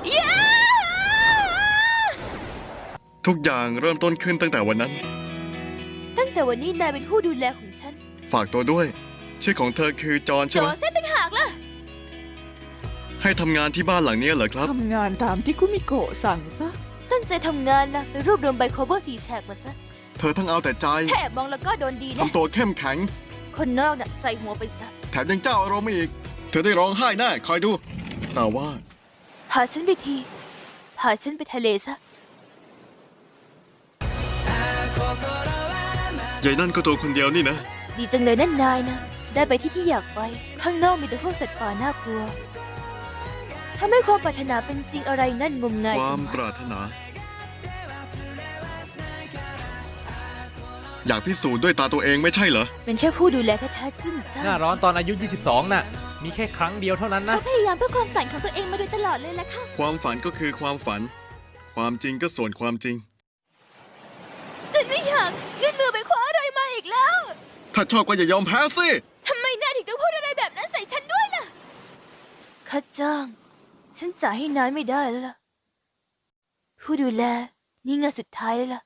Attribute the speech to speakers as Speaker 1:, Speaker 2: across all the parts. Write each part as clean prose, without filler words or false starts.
Speaker 1: ทุกอย่างเริ่มต้นขึ้นตั้งแต่วันนั้น
Speaker 2: ตั้งแต่วันนี้นายเป็นผู้ดูแลของฉัน
Speaker 1: ฝากตัวด้วย ชื่อของเธอคือจอห์น
Speaker 2: โจ
Speaker 1: ใช่ไหม
Speaker 2: เซฟต่างหากล่ะ
Speaker 1: ให้ทำงานที่บ้านหลังนี้เหรอครับ
Speaker 3: ทำงานตามที่คุมิโกะสั่งซะ
Speaker 2: ตั้งใจทำงานนะไปรวบรวมใบโคเวอร์4 แฉกมาซะ
Speaker 1: เธอทั้งเอาแต่ใจ
Speaker 2: ถ้าแอบมองแล้วก็โดนดีนะ
Speaker 1: ทำตัวเข้มแข็ง
Speaker 2: คนนอกน่ะใส่หัวไปซะ
Speaker 1: แถมยังเจ้าอารมณ์อีก เธอได้ร้องไห้แน่คอยดู แต่ว่า
Speaker 2: พาฉันไปทีพาฉันไปทะเลซะ
Speaker 1: ใหญ่นั่นก็ตัวคนเดียวนี่นะ
Speaker 2: ดีจังเลยนั่นนายนะ ได้ไปที่อยากไป ข้างนอกมีแต่พวกสัตว์ป่าน่ากลัวถ้าไม่ความปรารถนาเป็นจริงอะไรนั่นงมงาย
Speaker 1: ค
Speaker 2: ส
Speaker 1: วาม
Speaker 2: ม
Speaker 1: ปรารถนา อยากพิสูจน์ด้วยตาตัวเองไม่ใช่เหรอ
Speaker 2: เป็นแค่ผู้ดูแลแท้ๆจึ้งจ้า
Speaker 4: หน้าร้อนตอนอายุ 22 น่ะ มีแค่ครั้งเดียวเท่านั้นนะ
Speaker 2: เขาพยายามเพื่อความฝันของตัวเองมาโดยตลอดเลยล่ะค่ะ
Speaker 1: ความฝันก็คือความฝัน ความจริงก็ส่วนความจริง
Speaker 2: ฉันไม่อยากยื่นมือไปคว้าอะไรมาอีกแล้ว
Speaker 1: ถ้าชอบก็อย่ายอมแพ้สิ
Speaker 2: ทำไมนายถึงต้องพูดอะไรแบบนั้นใส่ฉันด้วยล่ะค่าจ้าง ฉันจ่ายให้นายไม่ได้แล้วล่ะ ผู้ดูแล นี่งานสุดท้ายแล้วล่ะ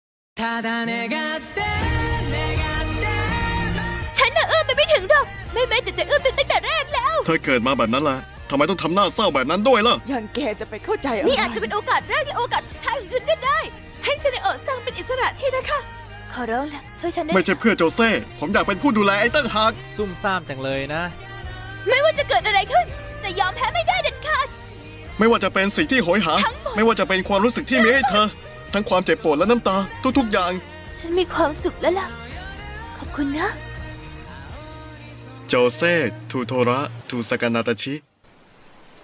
Speaker 2: ฉันน่ะเอื้อมไปไม่ถึงหรอก ไม่แม้แต่จะเอื้อมไปตั้งแต่แรกแล้ว
Speaker 1: เธอเกิดมาแบบนั้นแหละทำไมต้องทำหน้าเศร้าแบบนั้นด้วยล่ะ
Speaker 3: อย่างแกจะไปเข้าใจอะไร
Speaker 2: นี่อาจจะเป็นโอกาสแรกและโอกาสสุดท้ายของฉันก็ได้ ให้เซเนโอะซังเป็นอิสระที่นะคะ ขอร้องละช่วยฉันด้ว
Speaker 1: ไม่
Speaker 2: ย
Speaker 1: ใช่เพื่อโจเซ่ ผมอยากเป็นผู้ดูแลไอ้ตั้งหาก
Speaker 4: ซุ่มซ่ามจังเลยนะ
Speaker 2: ไม่ว่าจะเกิดอะไรขึ้น จะยอมแพ้ไม่ได้เด็ดขาด
Speaker 1: ไม่ว่าจะเป็นสิ่งที่โหยหา
Speaker 2: ทั้งหมด
Speaker 1: ไม่ว่าจะเป็นความรู้สึกที่มีให้เธอ ทั้งความเจ็บปวดและน้ำตา ทุกๆอย่าง
Speaker 2: ฉันมีความสุขแล้วล่ะ ขอบคุณนะ
Speaker 1: โจเซ่ทูโทระทูสกานาตาชิ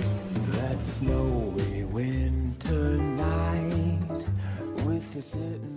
Speaker 5: That snowy winter night with the sitting